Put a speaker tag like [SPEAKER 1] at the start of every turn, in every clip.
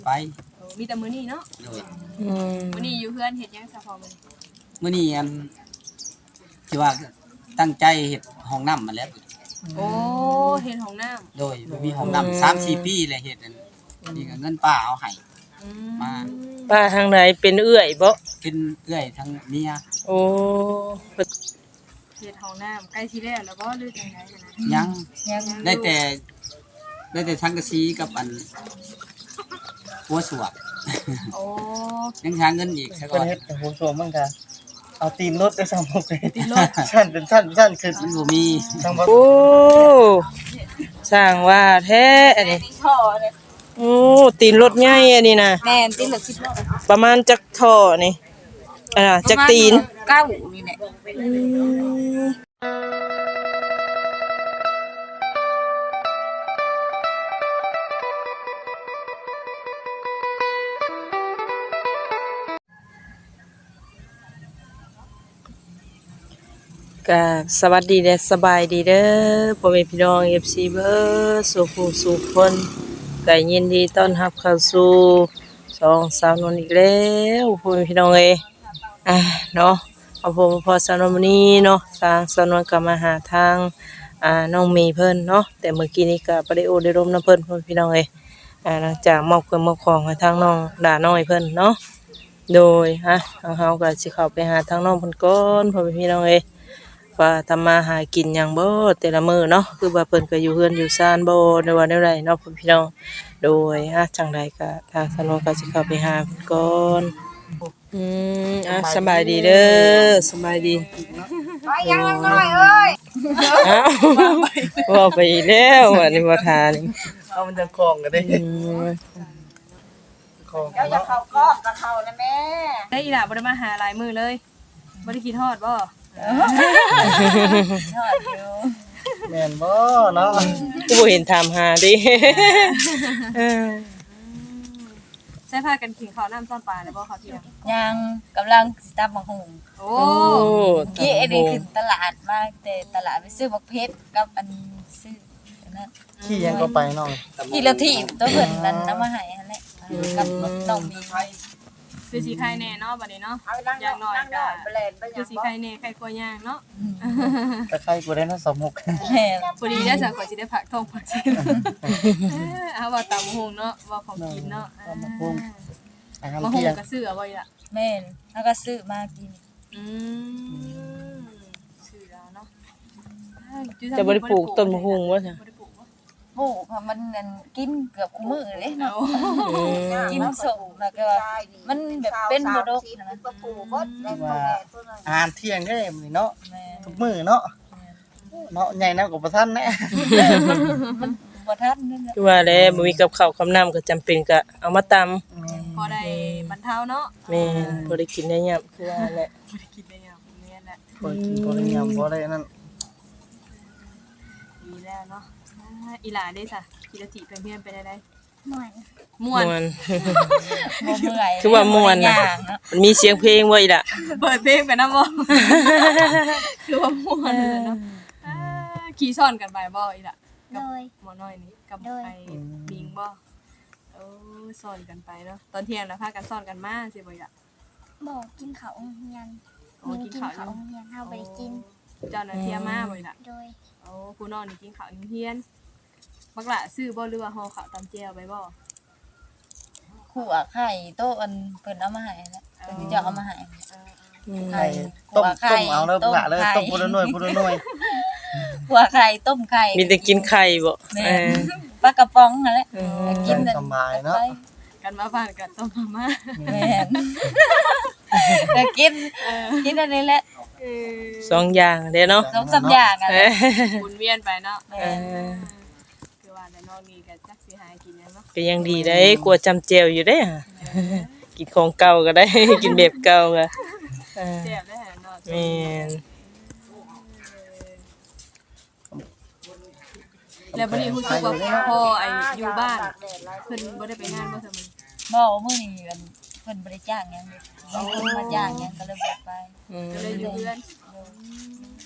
[SPEAKER 1] ไป
[SPEAKER 2] มีแต่มื้อนี้เนาะ
[SPEAKER 1] โดย
[SPEAKER 2] มื้อนี้อยู่เพื่อนเฮ็ดหยังซะพอมื้อนี้
[SPEAKER 1] มื้อนี้ที่ว่าตั้งใจเฮ็ดห้องน้ำมาแล้ว
[SPEAKER 2] โอ้เฮ็ดห้องน้ำ
[SPEAKER 1] โดยบ่มีห้องน้ำ3-4 ปีแล้วเฮ็ดนี่ก็เงินป้าเอาให้มา
[SPEAKER 3] ป้าทางไหนเป็นเอื้อยบ่
[SPEAKER 1] เป็นเอื้อยทั้งเมีย
[SPEAKER 3] โอ้
[SPEAKER 2] เฮ็ดห้องน้ำใกล้สิแล้วบ่หรือจังได๋นะ
[SPEAKER 1] ยังได้แต่สังกะสีกับหัวสวก
[SPEAKER 2] โอ้
[SPEAKER 1] ยังหาเงินอีกซะก่อน
[SPEAKER 4] เฮ็ดหัวสวมมันก็เอาตีนรถได้ซ้ำเลยตีนรถสั้นเป็นสั้นขึ้น
[SPEAKER 1] มันบ่มี
[SPEAKER 3] โอ้สร้างว่าแท้อันนี้
[SPEAKER 2] ท่อเลย
[SPEAKER 3] โอ้ตีนรถใหญ่อันนี้นะ
[SPEAKER 2] แม่นตีนรถ10ล้อ
[SPEAKER 3] ประมาณจักท่อนี่จักตีน
[SPEAKER 2] 9นี่แหละ
[SPEAKER 3] ก็สวัสดีเด้อสบายดีเด้อพ่อแม่พี่น้อง FC เบิดสู่ผู้สู่คนก็ยินดีต้อนรับเข้าสู่ช่องสาวนวลอีกแล้วพ่อแม่พี่น้องเอ้ยเนาะพอสาวนวลมื้อนี้เนาะทางสาวนวลก็มาหาทางน้องมีเพิ่นเนาะแต่เมื่อกี้นี้ก็บ่ได้โอได้ร่มนำเพิ่นพ่อแม่พี่น้องเอ้ยหลังจากมอบเครื่องมอบของให้ทางน้องดาน้อยเพิ่นเนาะโดยเฮาก็สิเข้าไปหาทางน้องเพิ่นก่อนพ่อแม่พี่น้องเอ้ยว่าทำมาหากินหยังบ่แต่ละมื้อเนาะคือว่าเพิ่นก็อยู่เฮือนอยู่ซ่านบ่ในว่าแนวใดเนาะพี่น้องโดยจังไดก็ทางสนวนก็สิเข้าไปหาเพิ่นก่อนสบายดีเด้อสบายดี
[SPEAKER 2] ไปยังน้อยเอ้ย
[SPEAKER 3] ว่าไปแล้วอันนี้บ่ทานี่
[SPEAKER 4] เอามันจะคล้องกันได้คล้อง
[SPEAKER 2] เจ้าจะเข้ากล้องกับเขานะแม่ได้อีหล่ะบ่ได้มาหาหลายมื้อเลยบ่ได้คิดฮอดบ่
[SPEAKER 4] แม่นบ่เนาะ
[SPEAKER 3] กูบ่เห็นถามหาดิ
[SPEAKER 2] ใช้ผ้ากันขิงข้าวน้ำซ่อนปลาแล้วบ่ข้าวเที่ยง
[SPEAKER 5] ยังกำลังสิตำบักหุ่ง
[SPEAKER 2] โอ้
[SPEAKER 5] กี้อันนี้ขึ้นตลาดมาแต่ตลาดไปซื้อบักเพชรกับอันซื้อนั่น
[SPEAKER 4] ขี้ยังก็ไปน้อง
[SPEAKER 5] กี่ละที่ตัวเพิ่นนั้นนำมาให้นั่นแหละกับน้องมี
[SPEAKER 2] คือสีไข่แน่เนาะบัดนี้เนาะอย่างน้อยก็คือสีไข่แน่ไข่กลัวย่างเนาะ
[SPEAKER 4] แต่ใครกูได้นะ26
[SPEAKER 5] แม่
[SPEAKER 2] พอดีได้สักขอสิได้ผักทองผักเส้นเอาว่าตำหุงเนาะว่าของกินเนาะ
[SPEAKER 4] มะฮุง
[SPEAKER 2] ก็ซื้อเอาไว้ล่ะ
[SPEAKER 5] แม่นแล้วก็ซื้อมากิน
[SPEAKER 2] ซื้อแล้วเนาะ
[SPEAKER 3] จะบ่ได้ปลูกต้นมะฮุงบ่จ้ะ
[SPEAKER 5] ปลูกมันนั่นกินเกือบคุมื้อเลยเนาะกินส่งแล้วก็มันแบบเป็นบ่ดกนะ
[SPEAKER 4] อาหารเที่ยงได้เนาะทุกมื้อเนาะใหญ่นำก็บ่ทันแน่
[SPEAKER 5] มันบ่ทันนั่นแหละ
[SPEAKER 3] คือว่าแล้วบ่มีกับข้าวกับน้ำก็จำเป็นก็เอามาตำ
[SPEAKER 2] พอได้บรรเทาเนาะ
[SPEAKER 3] แม่นบ่ได้กินได้ยามคือว่าแหละ
[SPEAKER 2] บ่ได้กินได้ยามแม่นแหละ
[SPEAKER 4] บ่กินบ่ได้ยามบ่ได้นั่น
[SPEAKER 2] ดีแล้วเนาะอีหลาได้ซะกิรติไปเฮียนไปได้
[SPEAKER 5] ม่วนบ่เมื่อย
[SPEAKER 3] คือว่าม่วนน่ะมันมีเสียงเพลงบ่อีล่ะ
[SPEAKER 2] เปิดเพลงไปนำบ่คือว่าม่วนเนาะขี่ซ้อนกันไปบ่อีล่ะกับหมอน้อยนี่กับไอ้ปิงบ่ซ้อนกันไปเนาะตอนเที่ยงแล้วพากันซ้อนกันมาสิบ่อีล่ะ
[SPEAKER 6] บ่กินข้าวโรงเรียน
[SPEAKER 2] กินข้าว
[SPEAKER 6] โรงเรียนเฮาบ่ได้กิน
[SPEAKER 2] เจ้าน่ะเที่ยมาบ่อีล่ะ
[SPEAKER 6] โดย
[SPEAKER 2] ผู้น้องนี่กินข้าวโรงเรียนบักล่ะซื้อบ่หรือว่าห่อข้าวตำแจ่วไปบ่
[SPEAKER 5] ขั่วไข่โตอันเพิ่นเอามาให้แล้วเพิ่นจะเอามาให้
[SPEAKER 4] ไข่ต้มเอาเลยบ่เลยต้มพุ่นละหน่วย
[SPEAKER 5] ขั่วไข่ต้มไข่
[SPEAKER 3] มีแต่กินไข่บ่
[SPEAKER 5] ปลากระป๋องนั่นแหละ
[SPEAKER 4] กินสบายเนาะ
[SPEAKER 2] กันมาบ้านกันต้มมาม่า
[SPEAKER 5] แม่นแต่กินอันนี้แหละ
[SPEAKER 3] 2อย่างเด้เนาะ
[SPEAKER 5] 2-3อย่างอ่ะ
[SPEAKER 2] หมุนเวียนไปเนาะคือว่าแต่น้องนี่ก็จักสิหากินเนาะ
[SPEAKER 3] ก็ยังดีได้กลัวจำแจ่วอยู่เด้กินของเก่าก็ได้กินแบบเก่าก็
[SPEAKER 2] แซ่บได้เนาะ
[SPEAKER 3] แม่น
[SPEAKER 2] แล้วบัดนี้ฮู้สึกว่าพ่อไอ้อยู่บ้านเพิ่นบ่ได้ไปงานบ่ซั่น
[SPEAKER 5] บ่มื้อนี้เพิ่นบ่ได้จ้างหยังเพิ่นมาจ้างหยังก็เลยบ่ไป
[SPEAKER 2] ก็เลยอยู่เรือน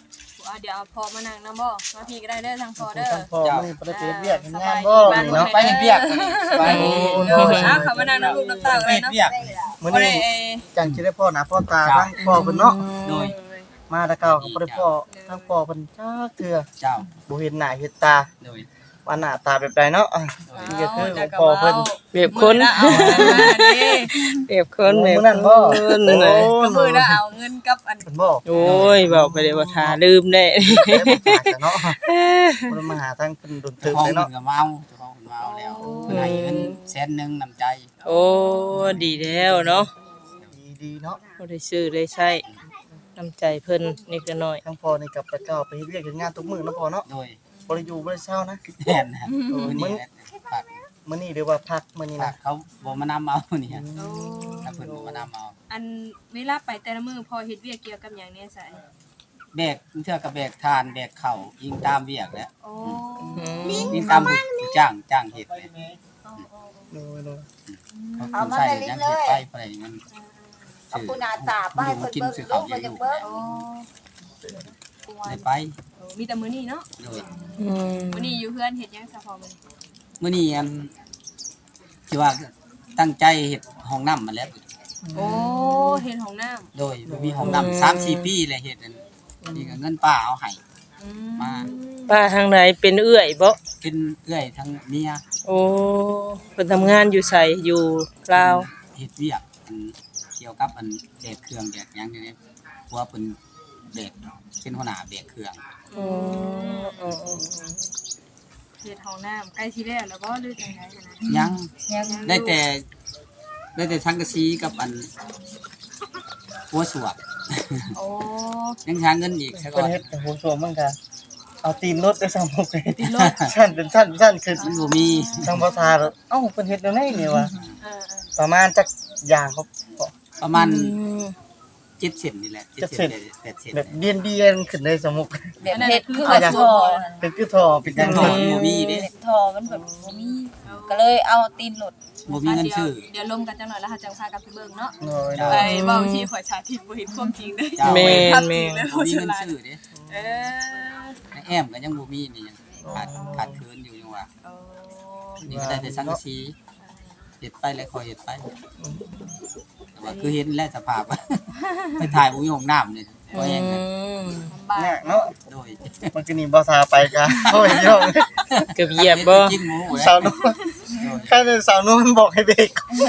[SPEAKER 2] เดี๋ยวพอมานั่งนำบ่มาพี่ก็ได้เด้อทางพอเด้อ
[SPEAKER 4] ทั้งพ่อมื้อนี้บ่ได้ไปเฮ็ดเวียกเฮ็ดงานบ่
[SPEAKER 2] บ้าน
[SPEAKER 4] นี่
[SPEAKER 2] เนาะ
[SPEAKER 4] เนาะ
[SPEAKER 1] ไปเฮ็ดเวียกไป
[SPEAKER 2] เด้อเขามานั่งน้ำลูกน้ำตากัน
[SPEAKER 1] ไป
[SPEAKER 2] เลย
[SPEAKER 1] เฮ็ด
[SPEAKER 2] เนาะ
[SPEAKER 1] เวียก
[SPEAKER 4] มื้อ
[SPEAKER 2] บ่ได้
[SPEAKER 4] นี้จังสิได้พ่อหน้าพ่อตาทั้งพ่อเพิ่นเนาะ
[SPEAKER 1] โดย
[SPEAKER 4] มาแตะเก่าก็บ่ได้พ่อทั้งพ่อเพิ่นจักเทื่อ
[SPEAKER 1] เจ้า
[SPEAKER 4] บ่เห็นหน้าเห็นตา
[SPEAKER 1] โดย
[SPEAKER 4] ว่าหน้าตาแบบใดเนาะนี่ก็คือของพ่อเพิ่น
[SPEAKER 3] เปรียบคน
[SPEAKER 2] เอาเด้
[SPEAKER 3] เปรียบคนแบบ
[SPEAKER 4] มื้อนั้นบ่
[SPEAKER 3] คน
[SPEAKER 4] โอ้
[SPEAKER 3] น่ะ
[SPEAKER 2] ก็มือนะเอาเงินกับอัน
[SPEAKER 4] เพิ่นบอก
[SPEAKER 3] โอ้ยบอกไปเลยว่าทาลืมได้
[SPEAKER 4] เนาะมันมาหาทางเป็นดนตรี
[SPEAKER 1] เจ้าของ
[SPEAKER 4] เลย
[SPEAKER 1] เพิ่
[SPEAKER 4] เนาะ
[SPEAKER 1] นก็เมาเจ้าของเพิ่นเมาแล้วเพิ่นให้เงิน100,000นำใจ
[SPEAKER 3] โอ้ดีแล้วเนาะ
[SPEAKER 4] ดีเนาะ
[SPEAKER 3] บ่ได้ซื้อได้ใช้น้ำใจเพิ่นนิดละน้อย
[SPEAKER 4] ทั้งพ่อนี่กับพระเจ้าไปเฮ็ดเวียกเฮ็ดงานทุกมื้อเนาะพ่อเนาะ
[SPEAKER 1] โดย
[SPEAKER 4] บ่ได้อยู่บ่ได้เช้านะ
[SPEAKER 1] แม่นนะมื้อนี้ฝาก
[SPEAKER 4] มื้อนี้เดี๋ยวว่าพักมื้อนี้
[SPEAKER 1] ฝา
[SPEAKER 4] นะ
[SPEAKER 1] กเขาบ่มานำเอานี่ฮะ
[SPEAKER 2] โอ้
[SPEAKER 1] ถ้าเพิ่นบ่มานำเอา
[SPEAKER 2] อันเวลาไปแต่ละมื้อพอเฮ็ดเวียกเกี่ยวกับหยังเนี่ยสาย
[SPEAKER 1] แบกเทื่อก็แบกทานแบกข้าวยิงตามเวียกแหล้ว
[SPEAKER 2] โอ้
[SPEAKER 1] ยิงตามผู้จ้างเฮ็ดเลย
[SPEAKER 4] โดย
[SPEAKER 1] เขาใส่ยังเฮ็ดไปไปมัน
[SPEAKER 5] เอาคุณอาตาไปเพิ่นเบิ่งลูกเพิ่นจะเบิ่ง
[SPEAKER 2] โอ้
[SPEAKER 1] ได้ไป
[SPEAKER 2] มีแต่มื้อนี้เนาะ
[SPEAKER 1] โดย
[SPEAKER 3] อืม
[SPEAKER 2] มื้อนี้อยู่เพื่อนเฮ็ดหยังซะพอมื้อนี้
[SPEAKER 1] มื้อนี้อันที่ว่าตั้งใจเฮ็ดห้องน้ำมาแล้ว
[SPEAKER 2] โอ้เฮ็ดห้องน้ำ
[SPEAKER 1] โดยบ่มีห้องน้ำ3-4 ปีแล้วเฮ็ดอันนี่ก็เงินป้าเอาให้
[SPEAKER 2] อืม
[SPEAKER 1] มา
[SPEAKER 3] ป้าทางไหนเป็นเอื้อยบ่
[SPEAKER 1] เป็นเอื้อยทั้งเมีย
[SPEAKER 3] โอ้เพิ่นทำงานอยู่ไสอยู่ลาว
[SPEAKER 1] เฮ็ดเวียกอันเกี่ยวกับอันแบกเครื่องแบกหยังนี่เพราะว่าเพิ่นแบกเป็นหัวหน้าแบกเครื่อง
[SPEAKER 3] อืม
[SPEAKER 2] เฮ็ดห้องน้ำใกล้สิแล้วแล้วบ่หรือจังได๋นะ
[SPEAKER 1] ยัง
[SPEAKER 5] ยัง
[SPEAKER 1] ได้แต่สังกะสีกับอันหัวสวก
[SPEAKER 2] โอ้
[SPEAKER 1] ยังหาเงินอีกซะก่
[SPEAKER 4] เพิ่
[SPEAKER 1] อน น
[SPEAKER 4] เฮ็ดแต่โหสวมมันก็เอาตีนรถด้วยซ้ำบ่เคย
[SPEAKER 2] ติดรถ
[SPEAKER 4] สั้นเป็นสั้นขึ้น
[SPEAKER 1] มันบ่มี
[SPEAKER 4] ทางภาษาเอ้าเพิ่นเฮ็ดแนวไหนนี่วะ
[SPEAKER 2] เออ
[SPEAKER 4] ประมาณจักอย่างครับ
[SPEAKER 1] ประมาณ7 เซนนี่แหละ7 เซน8 เซน
[SPEAKER 4] แบบเดียนขึ้นได้สมุก
[SPEAKER 5] แบบเฮ็ดคือแบบทอ
[SPEAKER 4] เป็นคือท่อเป็นจัง
[SPEAKER 1] ท
[SPEAKER 4] ซี่
[SPEAKER 1] องบ่มีเด้
[SPEAKER 5] เฮ็ดทอมันแบบบ่มีก็เลยเอาตีนหลด
[SPEAKER 1] บ่มีเงินซื้อ
[SPEAKER 2] เดี๋ยวลมกันจังหน่อยแล้วเฮาจังพากันไปเบิ่งเนาะ
[SPEAKER 4] โดย
[SPEAKER 2] ไปเว้าที่ข่อยสาธิตบ่เห็นความจริงเด้
[SPEAKER 1] เจ้า
[SPEAKER 3] แม่น
[SPEAKER 2] ความจ
[SPEAKER 3] แม่
[SPEAKER 2] ริง
[SPEAKER 3] น
[SPEAKER 2] เลย
[SPEAKER 1] บ่มีเงินซื้อเด้
[SPEAKER 2] เออ
[SPEAKER 1] ในแอมก็ยังบ่มีนี่ยังขาดเคินอยู่ยังว่า
[SPEAKER 2] โอ้
[SPEAKER 1] นี่ก็ได้แต่สังกะสีเฮ็ดไปแล้วค่อยเฮ็ดไปแต่ว่าคือเห็นแล้วสภาพ ไปถ่ายบ่มีห้องน้ำนี่บ่แฮงกัน
[SPEAKER 2] ลำบาก
[SPEAKER 4] ยากเนาะ
[SPEAKER 1] โดย
[SPEAKER 4] มันก็นี่บ่ซาไปกะโอ้ยพี่น้อง
[SPEAKER 3] เกือบเหยียบบ่
[SPEAKER 1] กินหมูแล้
[SPEAKER 4] สาว วนุ่นแค่นั้นสาวนุ่นบอกให้เบรก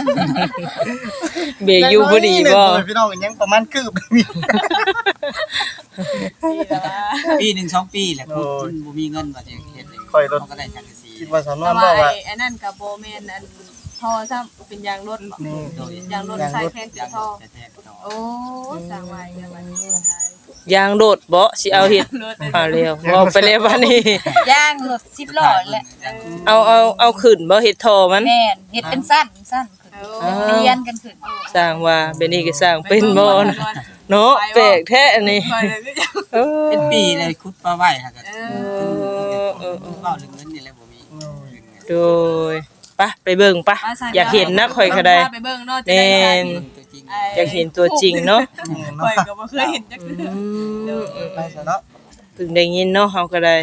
[SPEAKER 3] เบรกอยู่บ่ดีบ่
[SPEAKER 4] พี่น้องยังประมาณคืบนี่
[SPEAKER 1] ปีหนึ่ง2 ปีแหละคุณบ่มีเงินว่าจะเฮ็ดเอง
[SPEAKER 4] ค่อยรถ
[SPEAKER 1] เขาก็ได้สังกะสี
[SPEAKER 4] คิดว่าสาวนุ่
[SPEAKER 2] แต่
[SPEAKER 4] น
[SPEAKER 2] ว่า
[SPEAKER 4] บอกว่า
[SPEAKER 2] ไอ้นั่นก็บ่แม่นอันทอซ้ำเป็นยางรถบ่
[SPEAKER 4] นี่
[SPEAKER 1] โดย
[SPEAKER 2] ยางรถใส่แทน
[SPEAKER 1] ยัง
[SPEAKER 2] ทอ
[SPEAKER 1] แท้ๆต่อ
[SPEAKER 2] โอ้สร้างไว้ยังว่านี้ไทย
[SPEAKER 3] ยางโดดบ่สิเอาเฮ็ด
[SPEAKER 2] รถ
[SPEAKER 3] เอาเร็วเว้าไปแล้วบัดนี้
[SPEAKER 5] ย่างหลด10ล้อแหละ
[SPEAKER 3] เอาขึ้นบ่เฮ็ดท่อมัน
[SPEAKER 5] แม่นเฮ็ดเป็นสั้นขึ้นเรียนกันขึ้น
[SPEAKER 3] สร้างว่าเบนนี้ก็สร้างเป็นบ่นะเนาะแปลกแท้อันนี้
[SPEAKER 2] ไปเลยก็ยัง
[SPEAKER 3] เออ
[SPEAKER 1] เป็นปีเลยคุดปลาไว้ฮะก็
[SPEAKER 2] เอ
[SPEAKER 3] เออ
[SPEAKER 1] เว้าเรื่องเงินนี่แหละบ่มี
[SPEAKER 3] โดยไปเบิ่งปะอยากเห็นนะข่อยก็ได้
[SPEAKER 2] ไปเบิ่งเนาะจะได้สาธิต
[SPEAKER 1] ตัวจริง
[SPEAKER 3] อยากเห็นตัวจริงเนาะ
[SPEAKER 2] ข่อยก็บ่เคยเห็นจักเทื่อ
[SPEAKER 4] ไปซะเนาะ
[SPEAKER 3] เพิ่งได้ยินเนาะเฮาก็ได้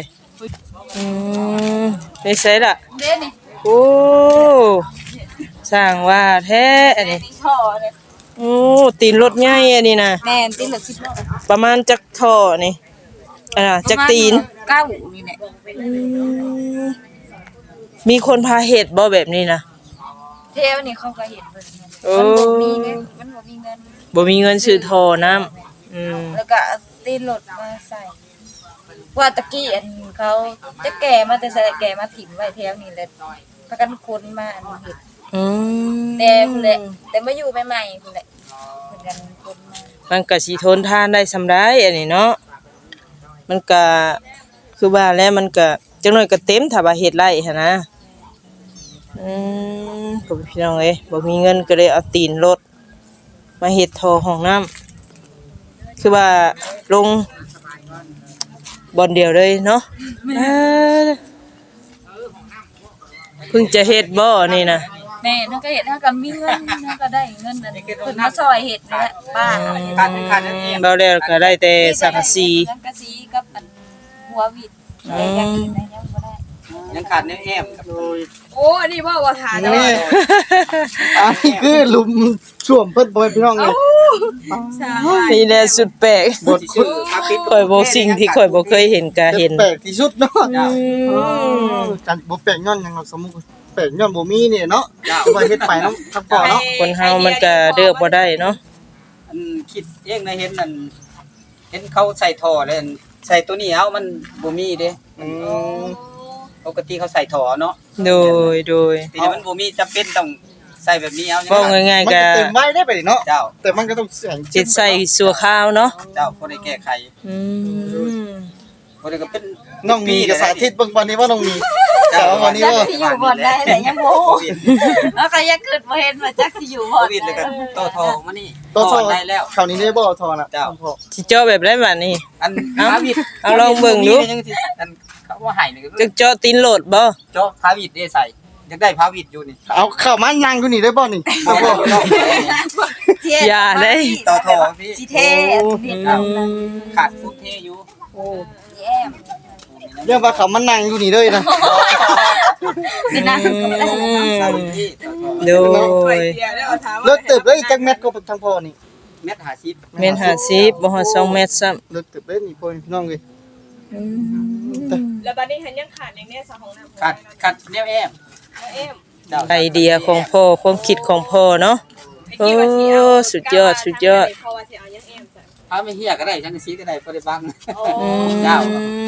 [SPEAKER 3] ได้ใส่ล่ะ
[SPEAKER 5] เด้นี่
[SPEAKER 3] โอ้สร้างว่าแท้อันนี้
[SPEAKER 5] นี่ท่อเลย
[SPEAKER 3] โอ้ตีนรถใหญ่อันนี้นะ
[SPEAKER 5] แม่นตีนหลด10ล้อ
[SPEAKER 3] ประมาณจักท่อนี่จักตีน
[SPEAKER 5] เก้านี่แหละ
[SPEAKER 3] มีคนพาเฮ็ดบ่แบบนี้นะ
[SPEAKER 5] เทวนี่เขาก็เห็นเพิ่น
[SPEAKER 3] โอ้
[SPEAKER 5] มันบ่มีเงิน
[SPEAKER 3] บ่มีเงินซื้อท่อน้ำ
[SPEAKER 5] แล้วก็เอาตีนหลดมาใส่ว่าตะกี้อันเขาจะแก่มาแต่ใส่แก่มาถิ่มไว้แถวนี้แหละพากันคนมาอันเฮ็ด แต่พุ่นแหละแต่มาอยู่ใหม่ๆพุ่นแหละเพิ่นกันคนมา
[SPEAKER 3] มันก็สิทนทานได้สำได้อันนี้เนาะมันก็คือว่าแล้วมันก็จังน้อยก็เต็มถ้าว่าเฮ็ดไร่หั่นนะก็พี่น้องเอ้ยบ่มีเงินก็เลยเอาตีนรถมาเฮ็ดท่อห้องน้ำคือว่าลงบ่อนเดียวเลยเนาะเพิ่งจะเฮ็ดบ่นี่นะ
[SPEAKER 5] แม่นั่นก็เฮ็ดเฮาก็มีเงินเฮาก็ได้เงินนั่นเพิ่นมาซอยเฮ็ดนั่นแหละป้า
[SPEAKER 1] การนั่นเอง
[SPEAKER 3] เราแล้วก็ได้แต่สังกะสี
[SPEAKER 5] สังกะสีกับอันหัววิดแต่อย่างอื่นนะยังบ่ได้
[SPEAKER 1] ยังขาดแนวแอมครับ
[SPEAKER 4] โดย
[SPEAKER 2] โอ้อันนี้ว่าว่าหาได้
[SPEAKER 4] นี่อันนี้คือหลุมช่วมเพิ่นบ่ให้พี่น้องเลย
[SPEAKER 2] ใช่
[SPEAKER 3] นี่แหละสุดแปลก
[SPEAKER 4] บทคุณ
[SPEAKER 3] ข่อยบ่สิ่งที่ข่อยบ่เคยเห็นก็เห็น
[SPEAKER 4] แปลกที่สุดเนาะ
[SPEAKER 1] เจ้า
[SPEAKER 4] จันบ่แปลกย้อนหยังเนาะสมมุติแปลกย้อนบ่มีนี่เนาะ
[SPEAKER 1] เจ้า
[SPEAKER 4] ว่าเฮ็ดไปเนาะทั้งพ่อเนาะ
[SPEAKER 3] คนเฮามันก็เลือกบ่ได้เนาะ
[SPEAKER 1] อันคิดเองนะเห็นนั่นเห็นเขาใส่ท่อเลยอันใส่ตัวนี้เอามันบ่มีเด้
[SPEAKER 4] อืม
[SPEAKER 1] ปกติเขาใส่ท่อเนาะ
[SPEAKER 3] โดย
[SPEAKER 1] แต่นี่มันบ่มีจำเป็นต้องใส่แบบนี้เอา
[SPEAKER 3] เว้าง่าย
[SPEAKER 4] มัน
[SPEAKER 3] ๆก็
[SPEAKER 4] ก็เต็มไว้ได้ไปเนาะ
[SPEAKER 1] เจ้า
[SPEAKER 4] แต่มันก็ต้องแสง
[SPEAKER 3] จิตใส่สัวข้าวเนาะ
[SPEAKER 1] เจ้าบ่ได้แก้ไข
[SPEAKER 3] อืม
[SPEAKER 1] บ่ได้ก็เป็น
[SPEAKER 4] น้องมีก็สาธิตเบิ่งวันนี้ว่าน้องมี
[SPEAKER 1] เจ้า
[SPEAKER 4] วันนี้
[SPEAKER 5] จัก
[SPEAKER 4] ว่า
[SPEAKER 5] สิอยู่บ่ได้แต่ยังบ่
[SPEAKER 1] โควิด
[SPEAKER 5] แล้วก็ยังคิดบ่เห็นว่าจักสิอยู่
[SPEAKER 1] โค
[SPEAKER 5] บ่
[SPEAKER 1] วิดเลยก็โตท่อมานี่
[SPEAKER 4] ตัวทอ
[SPEAKER 1] ได้แล้ว
[SPEAKER 4] คราวนี้ได้บ่ทอน่ะ
[SPEAKER 1] เจ้า
[SPEAKER 4] พ่อ
[SPEAKER 3] สิเจาะแบบได้บัดนี้
[SPEAKER 1] อัน
[SPEAKER 3] เอ้า
[SPEAKER 1] พาวิด
[SPEAKER 3] เอาลองเบิ่งดู
[SPEAKER 1] ยังสิอันเขาว่าให้นี่ก็
[SPEAKER 3] จะเจาะตีนโหลดบ่
[SPEAKER 1] เจาะพาวิดได้ใส่อยากได้พาวิดอยู่นี่
[SPEAKER 4] เอาเข้ามานั่งอยู่นี่ได้บ่นี่บ่บ่
[SPEAKER 3] อย่าได้
[SPEAKER 1] ต่อท่อพี่
[SPEAKER 5] สิเท่นิด
[SPEAKER 3] อืม
[SPEAKER 1] ขาดฟุตเทอยู่
[SPEAKER 5] แย้ม
[SPEAKER 4] เรื่องว่าเขามานั่งอยู่นี่เลยนะ
[SPEAKER 5] นี่นะก็ไม่ได้
[SPEAKER 1] ใส่ที่ต่อท่อ
[SPEAKER 3] โด
[SPEAKER 2] ข่อย
[SPEAKER 3] ย
[SPEAKER 2] เสียแล้วเอาถามว่า
[SPEAKER 4] เลิกตึบเลยจักแมทก็ทางพ่อนี่
[SPEAKER 1] เม็ด50
[SPEAKER 3] เมตร50บ่ฮอด2เมตรซ้ำ
[SPEAKER 4] เลิกตึบเลยนี่พ่อพี่น้องเอ้ย
[SPEAKER 2] แล้วบัดนี้หันยังขาดอย่างแน่สะของน้ำ
[SPEAKER 1] ขาดแนวแอม
[SPEAKER 2] เอ็ม
[SPEAKER 1] เจ้า
[SPEAKER 3] ไอเดียของพ่อความคิดของพ่อเนาะ โอ้สุดยอด
[SPEAKER 2] เพราะว่าสิเอายังเอ็มใส่
[SPEAKER 1] พาไม่เฮียก็ได้จังสีก็ได้บ่ได้บัง
[SPEAKER 2] โอ้
[SPEAKER 1] เจ้า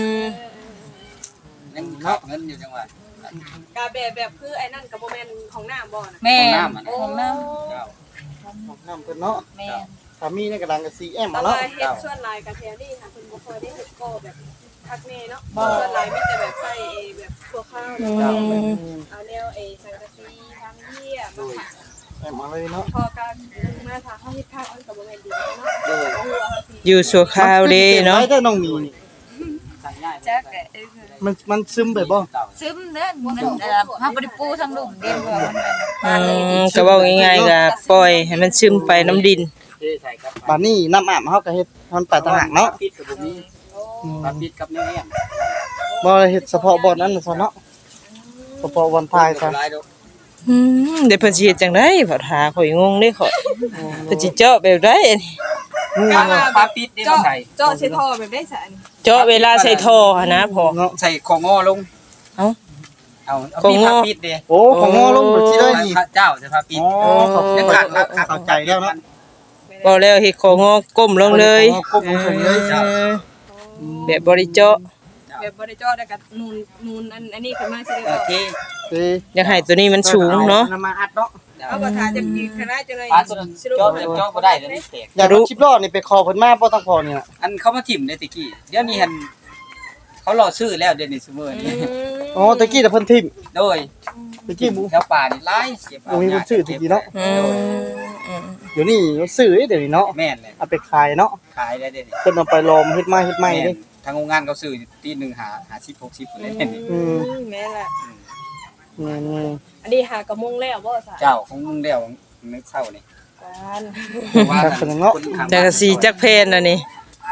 [SPEAKER 1] ยังเข้าเงินอยู่จังหวัด
[SPEAKER 2] กาแบบคือไอ้นั่นกับโมเมนของน้ำบ่นะ
[SPEAKER 5] แม่
[SPEAKER 1] ของน้ำอ่ะนะ
[SPEAKER 5] ของน้
[SPEAKER 1] เจ้า
[SPEAKER 4] น้ำเพิ่นเนาะ
[SPEAKER 5] ำแม่
[SPEAKER 4] สามีนี่ก็ดังกับ CM
[SPEAKER 2] แต่
[SPEAKER 4] มา
[SPEAKER 2] ว่า
[SPEAKER 4] เนาะ
[SPEAKER 2] เฮ็ดส่วนลายกับแทนี่ค่ะคุณบ่เคยได้เฮ็ดก็แบบคักแน่เนาะส่วนลายมีแต่แบบใส่แบบตัวข้าวแล้วก็เอาแนวสังกะสีทางเหี้ยมาค่ะ
[SPEAKER 4] แอมมาเลยเนาะ
[SPEAKER 2] พอการมาทาเขาเฮ็ดข้าวอันกับโมเมนดีเนาะ
[SPEAKER 1] โดย
[SPEAKER 2] เอาหัวเขาสิ
[SPEAKER 3] อยู่สัวข้าวเด้เนาะ
[SPEAKER 4] ไว้ได้น้องมีนี่
[SPEAKER 1] ใส่ง่าย
[SPEAKER 5] จัก
[SPEAKER 4] มันซึมไปบ่
[SPEAKER 1] เจ้า
[SPEAKER 5] ซึมเด้อมันเฮาบ่ได้ปูทั้งหลุมเด้ว่ามัน
[SPEAKER 3] ก็เว้าง่ายๆก็ปล่อยให้มันซึมไปน้ำดิน
[SPEAKER 1] เทใส่ครับ
[SPEAKER 4] บัดนี้น้ำอาบเฮาก็เฮ็ดมันไปต่างหากเนาะ
[SPEAKER 1] ปิดกับบ่มีปาปิดกับแนวแอม
[SPEAKER 4] บ่ได้เฮ็ดเฉพาะบ่อนนั้นซะเนาะเฉพาะวันพายซะ
[SPEAKER 1] หลายดอก
[SPEAKER 3] เดี๋ยวเพิ่นสิเฮ็ดจังได๋พอถาข่อยงงเด้ข่อยเพิ่นสิเจาะแบบใดอันนี้
[SPEAKER 1] ปาปิดนี่มาใส่
[SPEAKER 2] เจาะใส่ท่อแบบได้สะอันนี้
[SPEAKER 3] เจาะเวลาใส่ท่อหั่นนะพ่อ
[SPEAKER 4] เนาะ
[SPEAKER 1] ใส่ของงอลง
[SPEAKER 3] เอ้า
[SPEAKER 1] เอา
[SPEAKER 3] ของงอ
[SPEAKER 1] ปาปิดเด้
[SPEAKER 4] โอ้ของงอลงบ่สิได้นี่
[SPEAKER 1] เจ้าจะพาปิด
[SPEAKER 4] อ๋อขอบคุณเข้าใจแล้วเนาะ
[SPEAKER 3] บ่แล้วเฮ็ดของอก้มลงเลย
[SPEAKER 4] ก้มลงเลย
[SPEAKER 3] แบบบ่ได้เจาะ
[SPEAKER 2] แบบบ่ได้เจาะได้กับนูนอันนี้ขึ้นมาสิได้บ่
[SPEAKER 1] เท
[SPEAKER 4] เอ้ย
[SPEAKER 3] อยากให้ตัวนี้มันสูงเนาะ
[SPEAKER 4] นำมาอัดเนาะ
[SPEAKER 2] เอาบ่ทาจะมีคณะจะเลย
[SPEAKER 1] ปาตัวนั้นเจาะแบบเจาะบ่ได้แล้วนี่แตก
[SPEAKER 4] อยากรู้ชิปล้อนี่ไปคอเพิ่นมาบ่ต้องพอนี่น่ะ
[SPEAKER 1] อันเขามาถิ่มได้ตะกี้เดี๋ยวนี้หันเขารอซื้อแล้วเดี๋ยวนี้ซุมื้อนี้
[SPEAKER 4] อ๋อตะกี้แต่เพิ่นทิ่ม
[SPEAKER 1] โดย
[SPEAKER 4] ตะกี้หมู
[SPEAKER 1] แถวป่านี่หลายเก็บ
[SPEAKER 4] บ่มีคนซื้อตะกี้เนาะ
[SPEAKER 3] อืม
[SPEAKER 4] เดี๋ยวนี้มันซื้อเดี๋ยวนี้เนาะ
[SPEAKER 1] แม่นเลย
[SPEAKER 4] เอาไปขายเนาะ
[SPEAKER 1] ขายได้เด้นี่
[SPEAKER 4] เพิ่นเอาไปลอมเฮ็ดไม้เฮ็ดไม้เด้
[SPEAKER 1] ทางโรงงานเขาซื้อตีหนึงหา50 60พุ่นเลยนี่
[SPEAKER 4] อืม
[SPEAKER 2] แม่ล่ะ
[SPEAKER 4] นี่
[SPEAKER 2] อันนี้หากระมงแล้วบ่ซะ
[SPEAKER 1] เจ้าของมึงแล้วนึกเศร้านี่
[SPEAKER 2] การ
[SPEAKER 1] ว่า
[SPEAKER 4] ๆกันเนาะ
[SPEAKER 3] จักรสีจักเพนอันนี้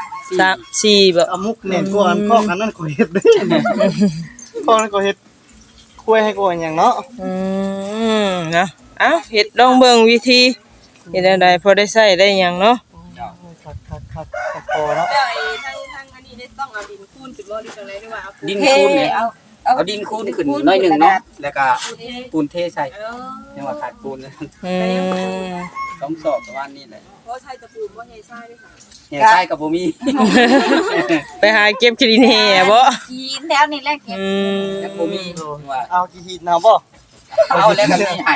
[SPEAKER 3] 3 4บ่
[SPEAKER 4] เอามุกแน่นกว่าอันข้อกันนั่นก็เฮ็ดเด้ข้อนั้นก็เฮ็ดคุยให้กว่าหยังเนาะ
[SPEAKER 3] นะเอ้าเฮ็ดลองเบิ่งวิธีเฮ็ดได้พอได้ใช้ได้หยังเนาะ
[SPEAKER 4] ครับพอเนาะ
[SPEAKER 2] แล้วทางอันนี้ได้ต้องเอาดินคูนขึ้นบ่หรือจังได๋หรือว่าเอา
[SPEAKER 1] ดินคูนเนี่ยเอาดินคูนขึ้นน้อยหนึงเนาะแล้วก็ปูนเทใส่
[SPEAKER 2] เออ
[SPEAKER 1] ยังว่าขาดปูนเลย
[SPEAKER 3] อืม
[SPEAKER 1] ต้องสอบประมาณนี้แหละ
[SPEAKER 2] บ่ใช้ตะปูบ่ใช้ทรายด้วยค่ะ
[SPEAKER 1] เฮียใช่กับบ่มี
[SPEAKER 3] ไปหาเก็บขี้ดินแห่บ่
[SPEAKER 5] กินแล้วนี่แหละเก็บ
[SPEAKER 1] ยังบ่มีว่า
[SPEAKER 4] เอากี่หีดนาบ่
[SPEAKER 1] เอาแล้วก็มีไห้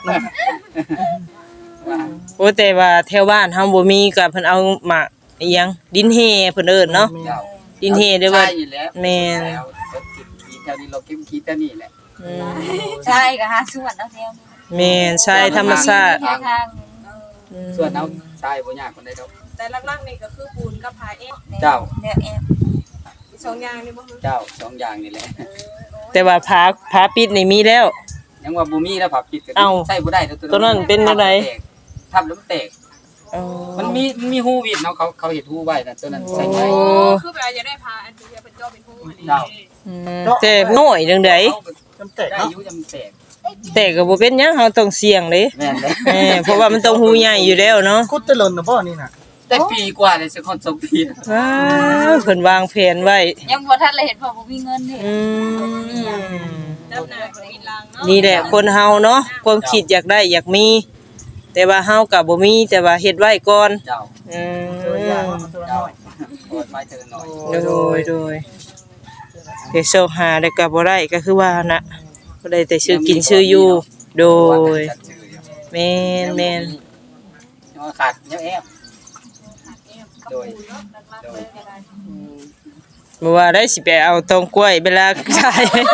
[SPEAKER 3] โอ้แต่ว่าแถวบ้านเฮาบ่มีก็เพิ่นเอาหมากอีหยังดินแห่เพิ่นเอิ้นเนาะ
[SPEAKER 1] เจ้า
[SPEAKER 3] ดินแห่เด้อว่า
[SPEAKER 1] ใช่อยู่แล้ว
[SPEAKER 3] แม่น
[SPEAKER 1] แล้วรถติดขีดแถวนี้เราเก็บขีดแถวนี้แหละ
[SPEAKER 3] อืม
[SPEAKER 5] ใช่ก็หาส่วนเอาแถวนี้
[SPEAKER 3] แม่นใช่ธรรมชาติ
[SPEAKER 5] แถวทาง
[SPEAKER 1] ส่วนเอาใช่บ่ยากคนใดดอก
[SPEAKER 2] แต่หลักๆนี่ก็คือปูนกับผาเอง
[SPEAKER 1] เจ้า
[SPEAKER 5] แนวแอบ
[SPEAKER 2] อีกสองอย่างนี่บ่คือ
[SPEAKER 1] เจ้าสองอย่างนี่แหละ
[SPEAKER 3] แต่ว่าผาปิดนี่มีแล้ว
[SPEAKER 1] ยังว่าบ่มีแล้วผับปิดก็
[SPEAKER 3] เอ้า
[SPEAKER 1] ใช่บ่ได้
[SPEAKER 3] ตัวนั้นเป็นจังได๋
[SPEAKER 1] ทับแล้วมันแตก
[SPEAKER 2] โอ้
[SPEAKER 3] อ๋อ
[SPEAKER 1] มันมีฮูวิดเนาะเขาเห็ดฮูไว้นะตัวนั้นใส่ไว้
[SPEAKER 2] โอ้คือแบบจะได้พาอันที่เป็นเจ้าเป็นผู้อันนี้
[SPEAKER 1] เจ้า
[SPEAKER 3] แต่น้อยจังได๋
[SPEAKER 4] จำแตก
[SPEAKER 1] ได้
[SPEAKER 4] เนาะ
[SPEAKER 1] อายุจำแตก
[SPEAKER 3] แต่ก็บ่เป็นหยังเฮาต้องเสี่ยงเด้
[SPEAKER 1] แม่นเลย
[SPEAKER 3] เพราะว่ามันต้องหูใหญ่อยู่แล้วเนาะ
[SPEAKER 4] คุดตะลนนะบ่นี่น่ะ
[SPEAKER 1] ได้ปีกว่าเลยสักคน2 ปี
[SPEAKER 3] ว้าวเพิ่นวางแผนไว้
[SPEAKER 5] ยังบ่ทันเลยเห็นพ่อบ่มีเงินนี่
[SPEAKER 3] อืม
[SPEAKER 2] ดับหน้าก็มีรางเนาะ
[SPEAKER 3] นี่แหละคนเฮาเนาะความคิดอยากได้อยากมี แต่ว่าเฮาก็บ่มีแต่ว่าเฮ็ดไว้ก่อน
[SPEAKER 1] เจ้า
[SPEAKER 3] อื
[SPEAKER 4] ตัวอยาง
[SPEAKER 3] ม
[SPEAKER 4] ตัว
[SPEAKER 1] เจ้า
[SPEAKER 4] น้อย
[SPEAKER 1] โอดไว้เธอหน่อย
[SPEAKER 3] โดยเดี๋ยวโซหาได้ก็บ่ได้ก็คือว่าน่ะบ่ได้แต่ชื่อกินชื่ออยู่โดยแม่น
[SPEAKER 1] ยังขาดยังแอบโดย
[SPEAKER 3] บ่ว่าได้สิไปเอาตองกล้วยเวลาขาย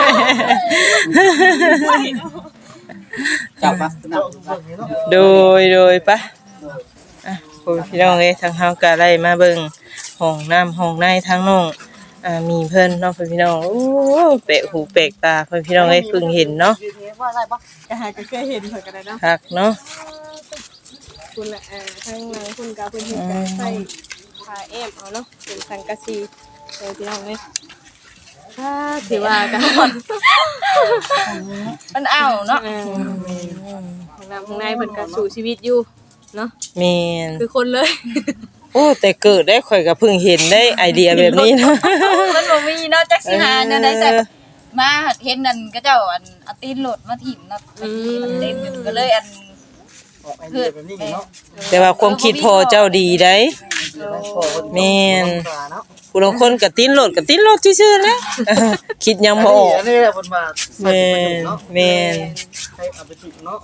[SPEAKER 1] เจ้าปะ
[SPEAKER 4] เจ้าเบิ่งนี่เนาะ
[SPEAKER 3] โดยปะอ่ะพี่น้องเอ้ยทางเฮาก็ได้มาเบิ่งห้องน้ำห้องในทางน้องมีเพิ่นเนาะพี่น้องโอ้แปลกหูแปลกตาพี่น้องเอ้ยเพิ่งเห็นเนาะ
[SPEAKER 4] ว่าได้ปะ
[SPEAKER 2] ก็หาก็เคยเห็นเพิ่นก็ได้เนาะ
[SPEAKER 3] คักเนาะ
[SPEAKER 2] คุณละทางหลังคุณกับเพิ่นเฮ็ดการใส่ผ้าแอมเอาเนาะเป็นสังกะสีพี่น้องเอ้ยถ้าถือว่ากันหมด
[SPEAKER 5] มันเอาเนาะ
[SPEAKER 2] ข้างในเพิ่นก็สู่ชีวิตอยู่เนาะ
[SPEAKER 3] แม่น
[SPEAKER 2] คือคนเลย
[SPEAKER 3] โอ้แต่เกิดได้ข่อยก็เพิ่งเห็นได้ไอเดียแบบนี้นะ
[SPEAKER 5] มันบ่มีเนาะจักสิหาแนวใดใส่มาเห็นนั่นก็เจ้าอันเอาตีนโหลดมาถิ่มเนาะมันเล่นก็เลยอัน
[SPEAKER 4] ออกไอเดียแบบนี้เนาะ
[SPEAKER 3] แต่ว่าความคิดพอเจ้าดีได้แม่น
[SPEAKER 4] เนาะ
[SPEAKER 3] ผู้ลางคนก็ติ้นโลดซื่อๆแหละคิดยังบ่ออก
[SPEAKER 4] อันนี้แหละเพิ่นว่า
[SPEAKER 3] แม่นแม่น
[SPEAKER 4] ให้เอาไปติดเนาะ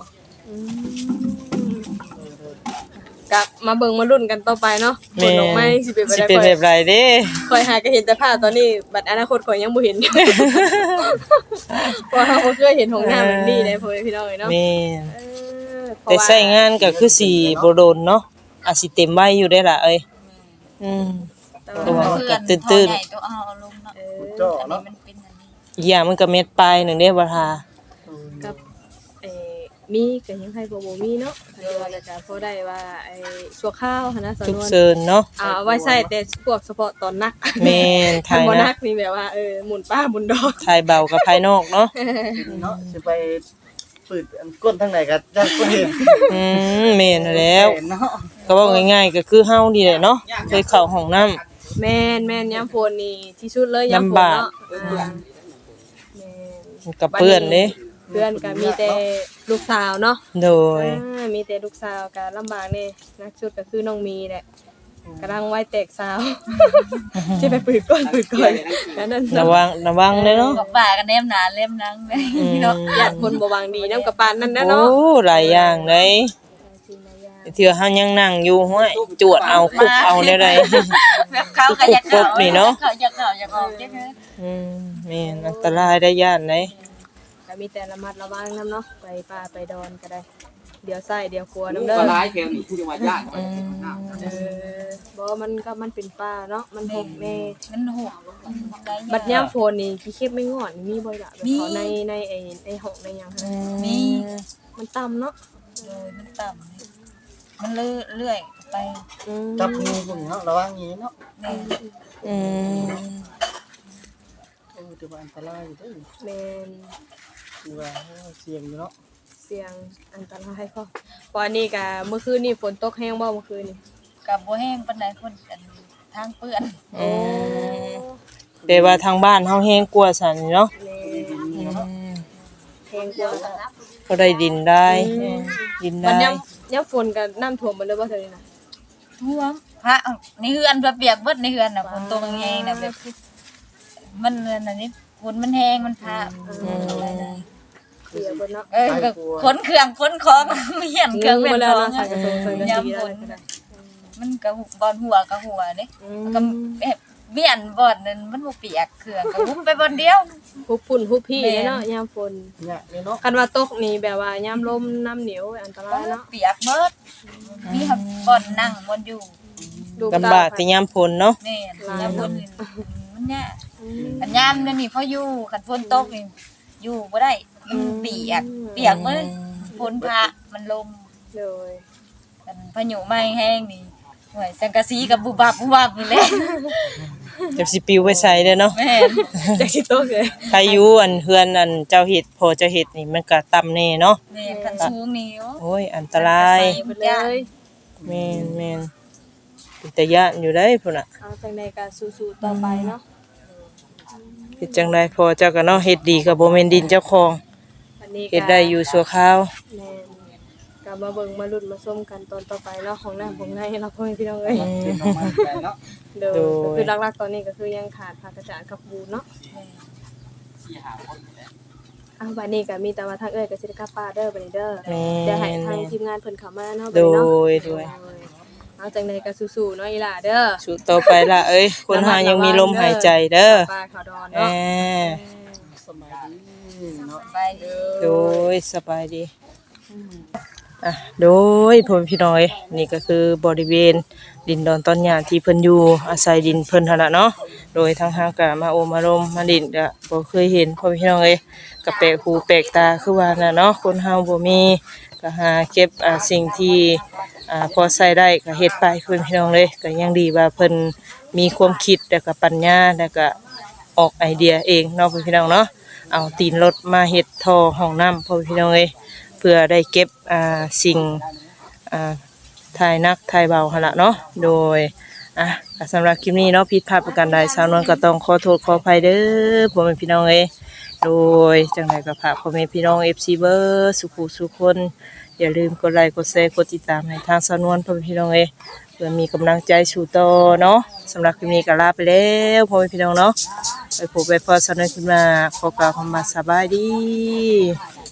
[SPEAKER 2] กลับมาเบิ่งมาลุ้นกันต่อไปเนาะผลออกมาสิเป็น
[SPEAKER 3] สิ
[SPEAKER 2] ไป
[SPEAKER 3] เป็น
[SPEAKER 2] ได้
[SPEAKER 3] แบบไรเด้
[SPEAKER 2] คอยหาก็เห็นแต่ภาพตอนนี้บัดอนาคตข่อยยังบ่เห็น เพราะเราบ่เคยเห็นของหน้าแบบนี้ได้พ่อแม่พี่น้องเอ้ยเนาะ
[SPEAKER 3] แม่น
[SPEAKER 2] เพราะ
[SPEAKER 3] แต่
[SPEAKER 2] ว่า
[SPEAKER 3] ใช้งานก็คือสิบ่โดนเนาะอาจสิเต็มไว้อยู่ได้ล่ะเอ้ยอืม
[SPEAKER 2] แต่ว่า
[SPEAKER 3] ตัว
[SPEAKER 5] เพื่อน
[SPEAKER 3] ตื่นๆ
[SPEAKER 5] พ่อใหญ่ตัวเอาลงเนาะ
[SPEAKER 4] เจ้า
[SPEAKER 5] อันนี้
[SPEAKER 4] เนาะ
[SPEAKER 5] มันเป็นอันนี้
[SPEAKER 3] อีกอย่างมันก็เม็ดปลายหนึงเด้บ่ทา
[SPEAKER 2] กับมีก็ยังให้บ่มีเนาะถ้าว่าจะพอได้ว่าชั่วข้าวหันนะส
[SPEAKER 3] ทุก
[SPEAKER 2] นวน
[SPEAKER 3] เซินเนาะ
[SPEAKER 2] ไว้ใส่แต่พวกเฉพาะตอนนัก
[SPEAKER 3] แม่น
[SPEAKER 2] ถ้า
[SPEAKER 3] ทาย
[SPEAKER 2] บ่นั
[SPEAKER 3] นะ
[SPEAKER 2] กนี่แบบว่าหมุนป้าหมุนดอก
[SPEAKER 3] ทายเบากับภายนอกเนาะ
[SPEAKER 4] เนาะสิไปปืดอันก้นทางไหนก็จะบ่เห็น
[SPEAKER 3] แม่นแล้ว
[SPEAKER 4] เนาะ
[SPEAKER 3] ก็เว้าง่ายๆก็คือเฮานี่แหละเนาะเคยเข้าห้องน้ำ
[SPEAKER 2] แม่นยามฝนนี่ที่สุดเลยยามฝน
[SPEAKER 3] ลำบาก
[SPEAKER 2] เนาะแม่น
[SPEAKER 3] มันกับเปื้อนเด้
[SPEAKER 2] เพื่อนก็มีแต่ลูกสาวเนาะ
[SPEAKER 3] โดย
[SPEAKER 2] มีแต่ลูกสาวก็ลำบากแน่นักสุดก็คือน้องมีแหละกำลังวัยแตกสาวที่ไปปืดก้นนั่น
[SPEAKER 3] ระวังเด้อเนาะ
[SPEAKER 5] กับป่ากันแนมหนาเล่มนังเลยเนาะ
[SPEAKER 2] ญาติคนบ่หวังดีนำกับปานนั่นนะ
[SPEAKER 3] โอ้
[SPEAKER 2] เนาะ
[SPEAKER 3] หลายอย่างเลยเทื่อเฮายังนั่งอยู่ห้วยจวดเอาคุบเอาได้เลย
[SPEAKER 5] แบบเขาก็อยาก
[SPEAKER 3] ปุ๊บนี่เนาะ
[SPEAKER 5] เขาอยากออกจังเลย
[SPEAKER 3] แม่นอันตรายได้ย่านเลย
[SPEAKER 2] ก็มีแต่ระมัดระวังนำเนาะไปป่าไปดอนก็ได้ เดี๋ยวใส่เดี๋ยวครัว
[SPEAKER 1] ลู
[SPEAKER 2] นำ
[SPEAKER 1] ก
[SPEAKER 2] เด้อ
[SPEAKER 1] ก็ร้ายแถวนี้ผู้จังหวัดญาติ
[SPEAKER 2] บ่มันเป็นป่าเนาะมันหกแน่
[SPEAKER 5] มันห่วง
[SPEAKER 2] บัดยามฝนนี่ขี้เข็บไม่งอนมีบ่ล่ะแบบเขาในในห้องในหยังหั่น
[SPEAKER 5] มี
[SPEAKER 2] มันต่ำเนาะ
[SPEAKER 5] เลยมันต่ำมันเลื่อยไป
[SPEAKER 4] จับงูพวกนี้เนาะระวังงี้เนาะ
[SPEAKER 5] แม่
[SPEAKER 3] อืม
[SPEAKER 4] ถือว่าอันตรายอยู่เด้อ
[SPEAKER 2] แม่น
[SPEAKER 4] ถือว่าเสี่ยงอยู่เนาะ
[SPEAKER 2] เสียงอันตรายก็เพราะอันนี้ก็เมื่อคืนนี่ฝนตกแห้งบ่เมื่อคืนนี่
[SPEAKER 5] กับบ่แห้งปานใดคนกันทางเปื้อน
[SPEAKER 3] แต่ว่าทางบ้านเฮาแห้งกว่าซั่นเนาะ
[SPEAKER 2] แห้งกว่า
[SPEAKER 3] ก็ได้ดินได้ดิน
[SPEAKER 2] มัน
[SPEAKER 3] ได้
[SPEAKER 2] ยามฝนก็น้ำท่วมหมดเลยบ่เท่านี้น่ะ
[SPEAKER 5] ท่วมพระในเฮือนเปียกเบิดในเฮือนน่ะฝนตกแห้งน่ะแบบมันอันนี้ฝนมันแห้งมันพา
[SPEAKER 2] เสียเบิดเนาะ
[SPEAKER 5] ก็ขนเครื่องขนของมีเหียนเครื่อง
[SPEAKER 2] ง
[SPEAKER 5] เป็น
[SPEAKER 2] บ่
[SPEAKER 5] ข
[SPEAKER 2] แล้ว
[SPEAKER 5] อง
[SPEAKER 2] เนาะใส่กระทงใส่กระ
[SPEAKER 5] ยาม
[SPEAKER 2] สี
[SPEAKER 5] ฝ
[SPEAKER 2] แล้ว
[SPEAKER 5] น
[SPEAKER 2] ก็ได้
[SPEAKER 5] มันก็บอนหัวก็หัวเด้ก็เบี้ยนบ่อนนั้นมันบ่เปียกเครื่องก็หุบไปบ่อนเดียว
[SPEAKER 2] ฮุบฝุ่นฮุบพี่เนาะยามฝน
[SPEAKER 4] เนี่ยนี่เนาะ
[SPEAKER 2] คันว่าตกนี่แบบว่ายามลมน้ำเหนียวอันตรายเนาะ
[SPEAKER 5] เปียกเบิดมีบ่อนนั่งบ่อนอยู่
[SPEAKER 3] ลำบากแต่ยามฝนเนาะ
[SPEAKER 5] แม่นยามฝนนี่มันยากอันยามนี่พออยู่คันฝนตกนี่อยู่บ่ได้มันเปียกเบิดฝนพระมันลม
[SPEAKER 2] เลย
[SPEAKER 5] กันพายุไหม้แห้งนี่หวยสังกะสีกับบุบับนี่แหละ
[SPEAKER 3] จักสิปิวไปใส่เด้อเนาะ
[SPEAKER 5] แม่น
[SPEAKER 2] จักสิโตเลย
[SPEAKER 3] ใครอยู่อันเฮือนอันเจ้าเฮ็ดพอเจ้าเฮ็ดนี่มันก็ต่ำแน่เนาะ
[SPEAKER 5] แม่นคันสูงนี่โอ้
[SPEAKER 3] โอ้ยอันตราย
[SPEAKER 2] ไปเลย
[SPEAKER 3] แม่นเป็นตาย้านอยู่ได้พุ่นน่ะ
[SPEAKER 2] เอาจังใดก็สู้ๆต่อไปเนาะ
[SPEAKER 3] เฮ็ดจังไดพอเจ้าก็เนาะเฮ็ดดีก็บ่แม่นดินเจ้าของ
[SPEAKER 2] วันนี้ก็
[SPEAKER 3] เฮ็ดได้อยู่ชั่วคราว
[SPEAKER 2] แม่นก็มาเบิ่งมาลุ้นมาส้มกันตอนต่อไปเนาะของน้ำของในเราพ่อแม่พี่น้องเอ้ย
[SPEAKER 1] เป็นออกมาได้เนาะ
[SPEAKER 2] เด้อก็คือหลักๆตอนนี้ก็คือยังขาดผักกระจาดกับบูนเนาะ
[SPEAKER 1] 4-5คนนี่แหละ
[SPEAKER 2] อ้าวบัดนี้ก็มีแต่ว่าทางเอ้ยก็สิได้กลับป้านเด้อบัดนี้เด้อ
[SPEAKER 3] แม่
[SPEAKER 2] เดี๋ยวให้
[SPEAKER 3] น
[SPEAKER 2] ทางทีมงานเพิ่นเข้ามาเนาะบั
[SPEAKER 3] โด
[SPEAKER 2] ดนี้เนาะ
[SPEAKER 3] ยโดย
[SPEAKER 2] เอาจังใดก็สู้ๆเนาะอีหล่าเด้อ
[SPEAKER 3] สู้ต่อไปล่ะเอ้ยคนหายังมีลมหายใจเด้อ
[SPEAKER 2] ป้าขาวดอน
[SPEAKER 3] แห
[SPEAKER 2] เนาะ
[SPEAKER 3] ม
[SPEAKER 1] สบายดีเนาะ
[SPEAKER 5] ไปเด้อ
[SPEAKER 3] โดยสบายดีอ่ะโดยพ่อแม่พี่น้อยนี่ก็คือบริเวณดินดอนต้นหญ้าที่เพิ่นอยู่อาศัยดินเพิ่นหั่นล่ะเนาะโดยทางเฮาก็มาโอมารมมาดินก็บ่เคยเห็นพ่อแม่พี่น้องเอ้ยก็แปลกหูแปลกตาคือว่าน่ะเนาะคนเฮาบ่มีก็หาเก็บสิ่งที่พอใช้ได้ก็เฮ็ดไปเพิ่นพี่น้องเลยก็ยังดีว่าเพิ่นมีความคิดแล้วก็ปัญญาแล้วก็ออกไอเดียเองเนาะพี่น้องเนาะเอาตีนรถมาเฮ็ดท่อห้องน้ำพ่อพี่น้องเอ้ยเพื่อได้เก็บสิ่งถ่ายนักถ่ายเบาหั่นล่ะเนาะโดยก็สำหรับคลิปนี้เนาะผิดพลาดประการใดสาวนวลก็ต้องขอโทษขออภัยเด้อพ่อแม่พี่น้องเอ้ยโดยจังไดก็ฝากพ่อแม่พี่น้อง FC เบอร์สุขุสุขคนอย่าลืมกดไลค์กดแชร์กดติดตามให้ทางสาวนวลพ่อแม่พี่น้องเอ้ยเพื่อมีกำลังใจสู่ต่อเนาะสำหรับคลิปนี้ก็ลาไปแล้วพ่อแม่พี่น้องเนาะไปพบไปพอสาวนวลขึ้นมาขอกล่าวคำว่าสบายดี